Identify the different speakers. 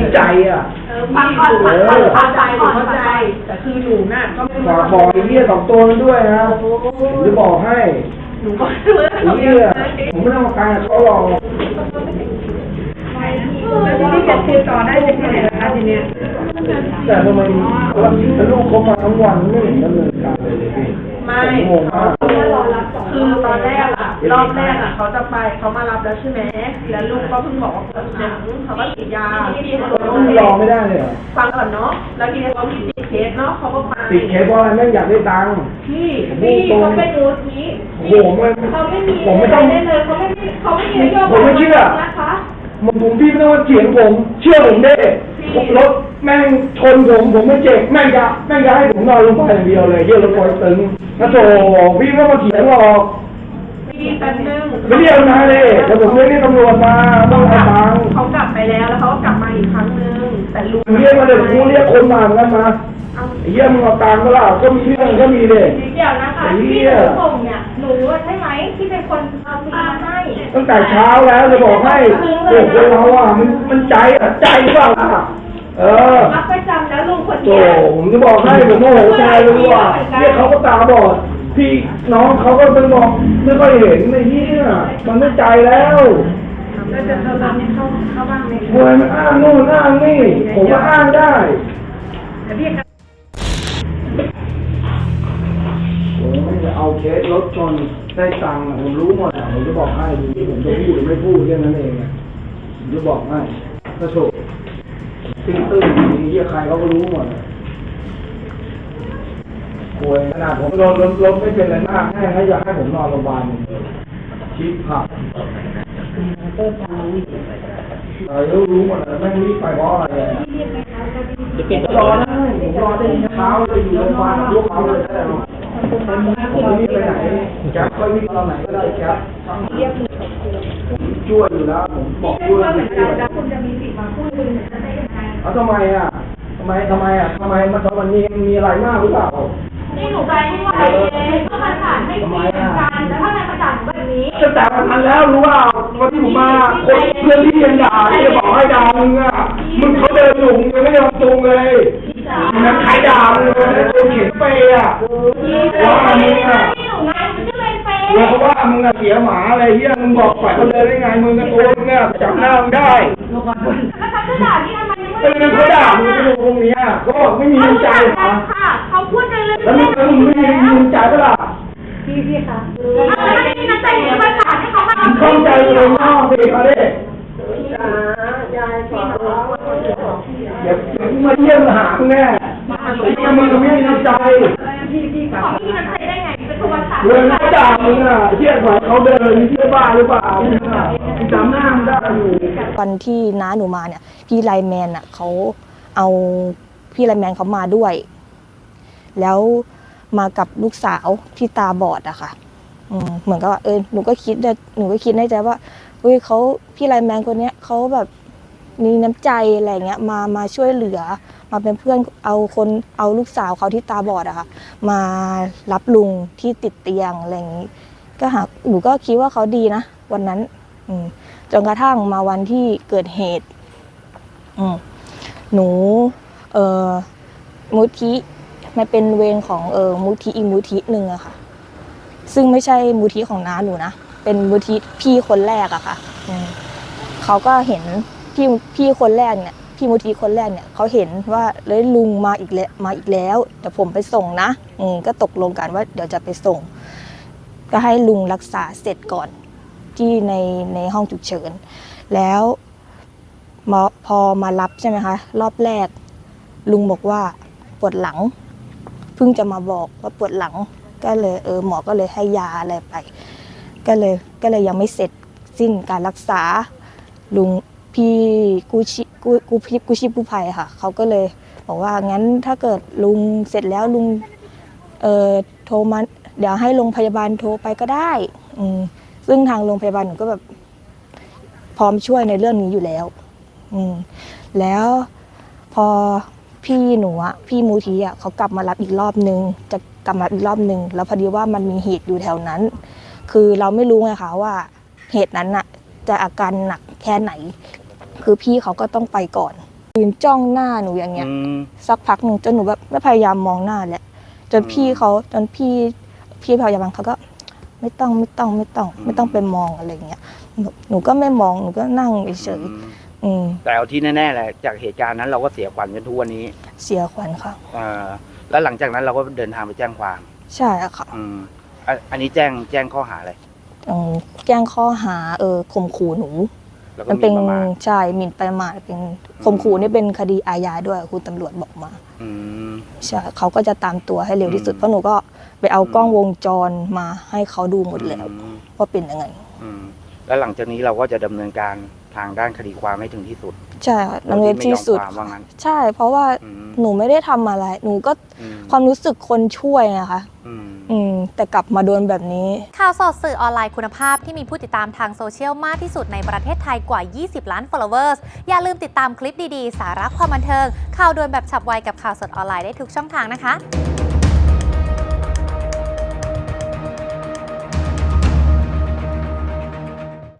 Speaker 1: ใจอ่ะ
Speaker 2: ฟังก่อนเข้าใจแต่คือหนูน่ะก็ไม่
Speaker 1: ฝากบอกไอ้เหี้ยสองตัวนั้นด้วยนะผมจะบอกให้
Speaker 2: หนูก็รู้ว่าเขาเยอะ
Speaker 1: ผมไม่ต้องมาการเขาหรอก
Speaker 2: ที่จะคุยต่อได้เป็นยังไงนะคะทีเนี้ย
Speaker 1: แต่ทำไมลูกเขามาทั้งวันไม่เห็นดำเนินการเลยพี่
Speaker 2: ไม่คือตอนแรกอะรอบแรกอะเขาจะไปเขามารับแล้วใช่ไหมแล้วลูกก็เพิ่งบอกว่าปวดหนังเขาก็ฉีดยาที่เขา
Speaker 1: รอไม่ได้เลย
Speaker 2: ฟังก่อนเนาะแล้วทีนี้เขามีติดเคสเนาะเขาก็ไป
Speaker 1: ติดเคสเพราะอะไรแม่อยากได้ตังค์
Speaker 2: พี่เขาเป็นมูทีเขาไม่มี
Speaker 1: ผมไม่ต้อง
Speaker 2: ได้เลยเขาไม่มีนโยบาย
Speaker 1: ผมไม่เชื่อ
Speaker 2: นะคะ
Speaker 1: ผมพี่ไม่ต้องมาเถียงผมเชื่อผมได้รถแม่งชนผมไม่เจ็บแม่งจะให้ผมนอนลงไปอย่างเดียวเลยเยี่ยรถปล่อยตึงนะโถพี่ไม่ต้องมาเถียงหรอก
Speaker 2: พี่แป๊บนึง
Speaker 1: ไม่เรียกมาเลยแต่ผมเรียกตำรวจมาต้องเอาตังค์
Speaker 2: เขากลับไปแล้วเขาก็กลับมาอีกครั้งนึงแต่ลุง
Speaker 1: เรียกมาเลยกูเรียกคนมาเหมือนกันมาเยี่ยมึงเอาตังค์ก็ล่ะก็มีเรื่องก็มีเลย
Speaker 3: เดี๋ยวนะคะที่หนูส่งเนี่ยหนูใช่ไหมที่เป็นคนเอาซีมาให้
Speaker 1: ตั้งแต่เช้าแล้วจะบอกให้เด็กเราอ่ะมันใจหรือเปล่า
Speaker 3: รับประจำแล้วลุงคน
Speaker 1: นี้ผมจะบอกให้ผมโมโหใจเลยว่าเนี่ยเขาก็ตาบอดพี่น้องเขาก็เป็นบอกไม่ค่อยเห็นในที่น่ะมันไม่ใจแล้ว
Speaker 2: แล้วจะทำให้เข้าบ้างไหม
Speaker 1: โวยมันอ้างนู่นอ้างนี่ผมก็อ้างได้
Speaker 2: แต่พี่
Speaker 1: ผมจะเอาเคสรถชนได้ตังค์ผมรู้หมดผมจะบอกให้ดูผมจะพูดหรือไม่พูดเรื่องนั้นเองผมจะบอกให้ถ้าถูกตื้นๆนี่ใครเขาก็รู้หมดโวยขนาดผมรถไม่เป็นอะไรมากแค่ให้อยากให้ผมนอนโรงพยาบาลชิปผักรู้หมดแล้วไม่รีบไปเพราะอะไรรอนะผมรอได้เช้าเลยอยู่โรงพยาบาลลูกเขาเลยได้หรอผมไม่รีบไปไหนแก๊ปค่อยวิ่งตอนไหนก็ได้แก๊ปผมช่วยอยู่แล้วผมบอกช่วย
Speaker 3: แล้วคุณจะมีสิทธิ์มาพูดคุยได้ยังไง
Speaker 1: ทำไมมันมีอะไรมากหรือเปล่า
Speaker 3: นี่หนูไปไม่ไหวเลยก็มาถามให้คุยกันแล้วถ้าในประจันแบบนี้
Speaker 1: จะแต่มันทันแล้วรู้ว่าวันที่ผมมาคนเพื่อนที่ยังด่าที่จะบอกให้ด่ามึงอ่ะมึงเขาเดินอยู่มึงไม่ยอมจูงเลยมันใครด่ามึงเลยคนเขียนเปย์อ่ะว่ามึงอ่ะเพราะว่ามึงเสียหมาอะไรเฮียมึงบอกฝ่ายเขาเดินได้ไงมึงกับตัวมึงเนี่ยจำหน้ามึงได้
Speaker 3: แล้วเขาด่าที่ทำไม
Speaker 1: ไม่เขาด่ามึงที่ตรงนี้เขาบอกไม่มีใจ
Speaker 3: ค่ะเขาพูดกันเลย
Speaker 1: แล้วมึงไม่มีใจเปล่า
Speaker 3: พี่ค่ะไม่มีน้ำใจที่มาถามให้เขามา
Speaker 1: เข้าใจเลยน้องสิเขาดิ
Speaker 2: ยายสอนร้องว่าคนอื่นของพี่
Speaker 1: อย่ามาเยี่ยมหาแน่มึงไม่มีน้ำใจ
Speaker 3: พี่ขอพี่น้ำใจได้ไงเป็นตัวสาร
Speaker 1: เรื่องเขาด่ามึงเชื่อฝ่ายเขาเดินเชื่อบ้าหรือเปล่าจำหน้ามึงได้อยู่
Speaker 4: วันที่น้าหนูมาเนี่ยพี่ไลแมนเขาเอาพี่ไลแมนเขามาด้วยแล้วมากับลูกสาวที่ตาบอดอะค่ะเหมือนกับว่าหนูก็คิดในใจว่าเขาพี่ไลแมนคนนี้เขาแบบมีน้ำใจอะไรเงี้ยมาช่วยเหลือมาเป็นเพื่อนเอาลูกสาวเขาที่ตาบอดอะค่ะมารับลุงที่ติดเตียงอะไรอย่างงี้หนูก็คิดว่าเขาดีนะวันนั้นจนกระทั่งมาวันที่เกิดเหตุหนูมูทิมันเป็นเวรของมูทิอีกมูทิหนึ่งอะค่ะซึ่งไม่ใช่มูทิของน้าหนูนะเป็นมูทิพี่คนแรกอะค่ะเขาก็เห็นพี่คนแรกเนี่ยพี่มูทิคนแรกเนี่ยเขาเห็นว่าเลยลุงมาอีกแล้วเดี๋ยวผมไปส่งนะก็ตกลงกันว่าเดี๋ยวจะไปส่งก็ให้ลุงรักษาเสร็จก่อนที่ในห้องฉุกเฉินแล้วพอมารับใช่ไหมคะรอบแรกลุงบอกว่าปวดหลังเพิ่งจะมาบอกว่าปวดหลังก็เลยหมอก็เลยให้ยาอะไรไปก็เลยยังไม่เสร็จสิ้นการรักษาลุงพี่กู้ชีพกู้ภัยค่ะเขาก็เลยบอกว่างั้นถ้าเกิดลุงเสร็จแล้วลุงโทรมาเดี๋ยวให้โรงพยาบาลโทรไปก็ได้ซึ่งทางโรงพยาบาลหนูก็แบบพร้อมช่วยในเรื่องนี้อยู่แล้วแล้วพอพี่หนูพี่มูทีเขากลับมารับอีกรอบนึงจะกลับมาอีกรอบนึงแล้วพอดีว่ามันมีเหตุอยู่แถวนั้นคือเราไม่รู้ไงคะว่าเหตุนั้นจะอาการหนักแค่ไหนคือพี่เขาก็ต้องไปก่อนยืนจ้องหน้าหนูอย่างเงี้ย สักพักหนึ่งจนหนูแบบไม่พยายามมองหน้าแหละจนพี่พยาบาลเขาก็ไม่ต้องไปมองอะไรเงี้ยหนูก็ไม่มองหนูก็นั่งเฉย
Speaker 5: แต่เอาที่แน่ๆแหละจากเหตุการณ์นั้นเราก็เสียขวัญจนทุกวันนี้
Speaker 4: เสียขวัญค่ะ
Speaker 5: แล้วหลังจากนั้นเราก็เดินทางไปแจ้งความ
Speaker 4: ใช่ค่ะ
Speaker 5: อันนี้แจ้งข้อหาอะไร
Speaker 4: แจ้งข้อหาข่มขู่หนูมันเป็นใช่หมิ่นประมาทเป็นข่มขู่นี่เป็นคดีอาญาด้วยคุณตำรวจบอกมาใช่เขาก็จะตามตัวให้เร็วที่สุดเพราะหนูก็ไปเอากล้องวงจรมาให้เขาดูหมดแล้วว่าเป็นยังไง
Speaker 5: แล้วหลังจากนี้เราก็จะดำเนินการทางด้านคดีความให้ถึงที่สุด
Speaker 4: ใช่ดำเนินที่สุดใช่เพราะว่าหนูไม่ได้ทำอะไรหนูก็ความรู้สึกคนช่วยนะคะแต่กลับมาโดนแบบนี้
Speaker 6: ข่าวสดสื่อออนไลน์คุณภาพที่มีผู้ติดตามทางโซเชียลมากที่สุดในประเทศไทยกว่า20 ล้าน followers อย่าลืมติดตามคลิปดีๆสาระความบันเทิงข่าวด่วนแบบฉับไวกับข่าวสดออนไลน์ได้ทุกช่องทางนะคะ